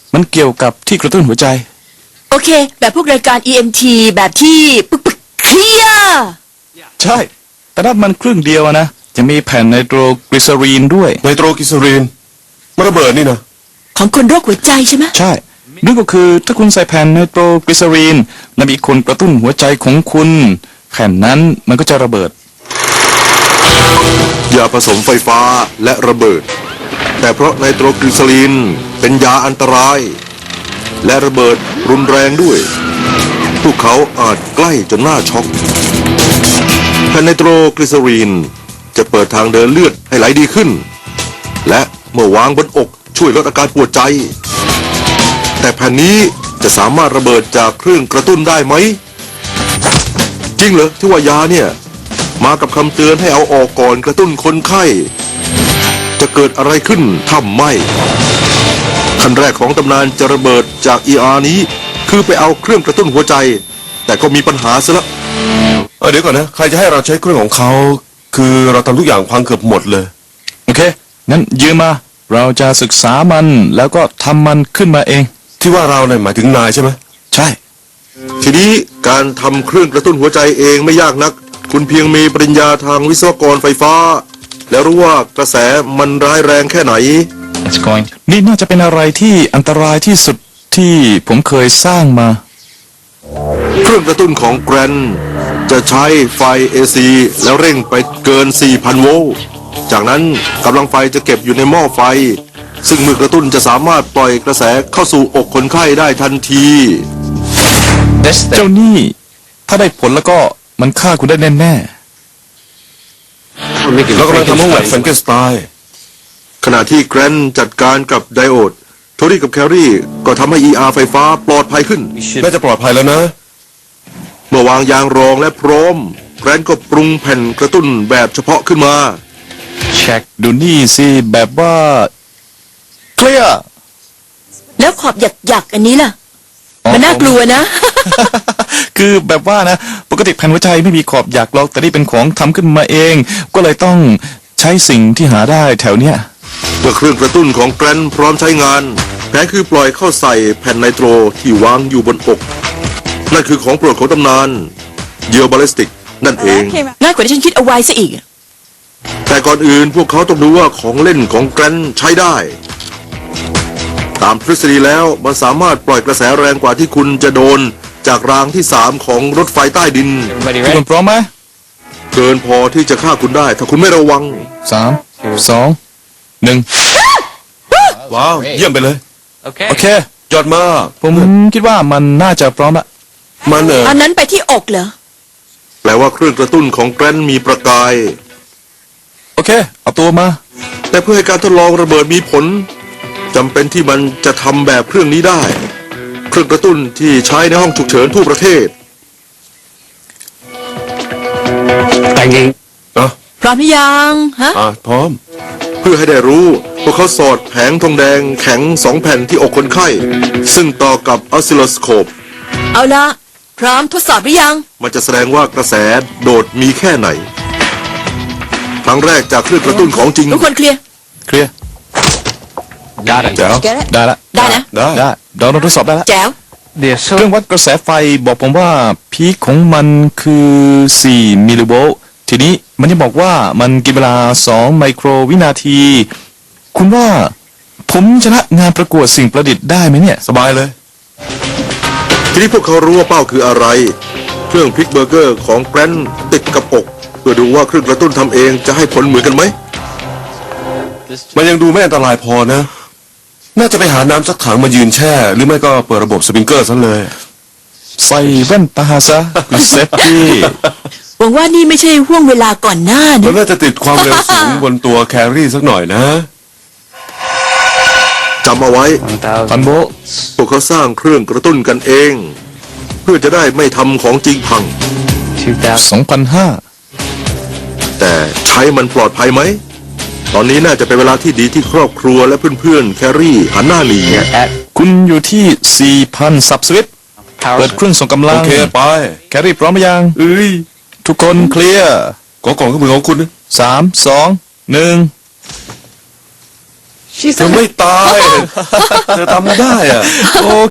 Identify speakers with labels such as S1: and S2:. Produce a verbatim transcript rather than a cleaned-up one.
S1: มันเกี่ยวกับที่กระตุ้นหัวใจ
S2: โอเคแบบพวกรายการ อี เอ็ม ที แบบที่ปึกปึกเคลียร์
S1: ใช่แต่นั่นมันครึ่งเดียวนะจะมีแผ่นไนโตรกลีเซอรีนด้วย
S3: ไนโตรกลีเซอรีนมันระเบิดนี่นะ
S2: ของคนโรคหัวใจใช่ไหม
S1: ใช่นั่นก็คือถ้าคุณใส่แผ่นไนโตรกลีเซอรีนและมีคนกระตุ้นหัวใจของคุณแผ่นนั้นมันก็จะระเบิด
S3: ยาผสมไฟฟ้าและระเบิดแต่เพราะไนโตรกลีเซอรีนเป็นยาอันตรายและระเบิดรุนแรงด้วยพวกเขาอาจใกล้จนน่าช็อกแผ่นไนโตรกลีเซอรีนจะเปิดทางเดินเลือดให้ไหลดีขึ้นและเมื่อวางบนอกช่วยลดอาการปวดใจแต่แผ่นนี้จะสามารถระเบิดจากเครื่องกระตุ้นได้ไหมจริงเหรอที่ว่ายาเนี่ยมากับคำเตือนให้เอาออกก่อนกระตุ้นคนไข้จะเกิดอะไรขึ้นถ้าไม่ขั้นแรกของตำนานจะระเบิดจาก อี อาร์ นี้คือไปเอาเครื่องกระตุ้นหัวใจแต่ก็มีปัญหาซะละเออเดี๋ยวก่อนนะใครจะให้เราใช้เครื่องของเขาคือเราทำทุกอย่างพังเกือบหมดเลย
S1: โอเคงั้นยืมมาเราจะศึกษามันแล้วก็ทำมันขึ้นมาเอง
S3: ที่ว่าเราเนี่ยหมายถึงนายใช่ไหม
S1: ใช่
S3: ทีนี้การทำเครื่องกระตุ้นหัวใจเองไม่ยากนักคุณเพียงมีปริญญาทางวิศวกรไฟฟ้าแล้วรู้ว่ากระแสมันร้ายแรงแค่ไหน
S1: นี่น่าจะเป็นอะไรที่อันตรายที่สุดที่ผมเคยสร้างมา
S3: เครื่องกระตุ้นของแกรนจะใช้ไฟ เอ ซี แล้วเร่งไปเกิน สี่พัน โวลต์จากนั้นกำลังไฟจะเก็บอยู่ในหม้อไฟซึ่งเมื่อกระตุ้นจะสามารถปล่อยกระแสเข้าสู่อกคนไข้ได้ทันที
S1: เจ้านี่ถ้าได้ผลแล้วก็มันฆ่าคุณได้แน่แน่
S3: แล้วกำลังทำห้องแลบแฟรงเกนสไตน์ขณะที่แกรนจัดการกับไดโอดโทรี่กับแครี่ก็ทำให้ อี อาร์ ไฟฟ้าปลอดภัยขึ้นน่าจะปลอดภัยแล้วนะเมื่อวางยางรองและพร้อมแกรนก็ปรุงแผ่นกระตุ้นแบบเฉพาะขึ้นมา
S1: เช็คดูนี่สิแบบว่าเคลียร์
S2: แล้วขอบหยักๆอันนี้ล่ะมันน่ากลัวนะ
S1: คือแบบว่านะปกติแผ่นหัวใจไม่มีขอบหยักหรอกแต่นี่เป็นของทำขึ้นมาเองก็เลยต้องใช้สิ่งที่หาได้แถวเนี้ย
S3: เมื่อเครื่องกระตุ้นของแกรนพร้อมใช้งานแผนคือปล่อยเข้าใส่แผ่นไนโตรที่วางอยู่บนอกนั่นคือของโปรดของตำนานเยียวบาลิสติกนั่นเอง
S2: ง่ายกว่าที่ฉันคิดเอาไว้ซะอีก
S3: แต่ก่อนอื่นพวกเขาต้องดูว่าของเล่นของแกรนใช้ได้ตามทฤษฎีแล้วมันสามารถปล่อยกระแสแรงกว่าที่คุณจะโดนจากรางที่สามของรถไฟใต้ดิน
S1: คุณพร้อมไหม
S3: เกินพอที่จะฆ่าคุณได้ถ้าคุณไม่ระวัง
S1: สามสองหนึ่ง
S3: ว้าวเยี่ยมไปเลย
S1: โอเคโอเค
S3: ยอดมาก
S1: ผมคิดว่ามันน่าจะพร้อมละ
S3: มันเออ
S2: อันนั้นไปที่อกเหรอ
S3: แปลว่าเครื่องกระตุ้นของแกรนมีประกาย
S1: โอเคเอาตัวมา
S3: แต่เพื่อให้การทดลองระเบิดมีผลจำเป็นที่มันจะทำแบบเครื่องนี้ได้เครื่องกระตุ้นที่ใช้ในห้องฉุกเฉินทั่วประเทศ
S2: แต่งเองพร้อมหรือยังฮะ
S3: อ่ะพร้อมเพื่อให้ได้รู้พวกเขาสอดแผงทองแดงแข็งสองแผ่นที่อกคนไข้ซึ่งต่อกับออสซิลโลสโคป
S2: เอาละพร้อมทดสอบหรือยัง
S3: มันจะแสดงว่ากระแสโดดมีแค่ไหนครั้งแรกจากเครื่องกระตุ้นของจริง
S2: ทุกคนเคลียร์
S1: เคลียร์ได้แล้วได้แล้ว
S2: ได้นะ
S1: ได้ได้เราทดสอบได้แล้ว
S2: แจ๋ว
S1: เครื่องวัดกระแสไฟบอกผมว่าพีคของมันคือสี่มิลลิโวลต์ทีนี้มันจะบอกว่ามันกินเวลาสองไมโครวินาทีคุณว่าผมชนะงานประกวดสิ่งประดิษฐ์ได้ไหมเนี่ย
S3: สบายเลยทีนี้พวกเขารู้ว่าเป้าคืออะไรเครื่องพลิกเบอร์เกอร์ของแกรนติดกับอกเพื่อดูว่าเครื่องกระตุ้นทำเองจะให้ผลเหมือนกันไหมมันยังดูไม่อันตรายพอนะน่าจะไปหาน้ำสักถังมายืนแช่หรือไม่ก็เปิดระบบสปริงเกอร์ซะเลย
S1: ใส่แว่นตาซะคุณเซฟตี้
S2: หวังว่านี่ไม่ใช่ห่วงเวลาก่อนหน้านะ
S3: มันน่าจะติดความเร็วสูงบนตัวแครี่สักหน่อยนะจำเอาไว้
S1: พันโบ
S3: พวกเขาสร้างเครื่องกระตุ้นกันเองเพื่อจะได้ไม่ทำของจริงพัง
S1: สองพันห้า
S3: แต่ใช้มันปลอดภัยไหมตอนนี้น่าจะเป็นเวลาที่ดีที่ครอบครัวและเพื่อนๆแครี่หันหน้าหนี
S1: คุณอยู่ที่ สี่พัน สับสวิตช์เปิดเครื่องส่งกำลัง
S3: โอเคไป
S1: แครี่พร้อมหรือยัง
S3: เอ้ย
S1: ทุกคนเคลียร์
S3: กองกล่องเครื่องมือของคุณ
S1: สามสองหนึ่ง
S3: เธอไม่ตาย เธอทำได้อะ
S1: โอ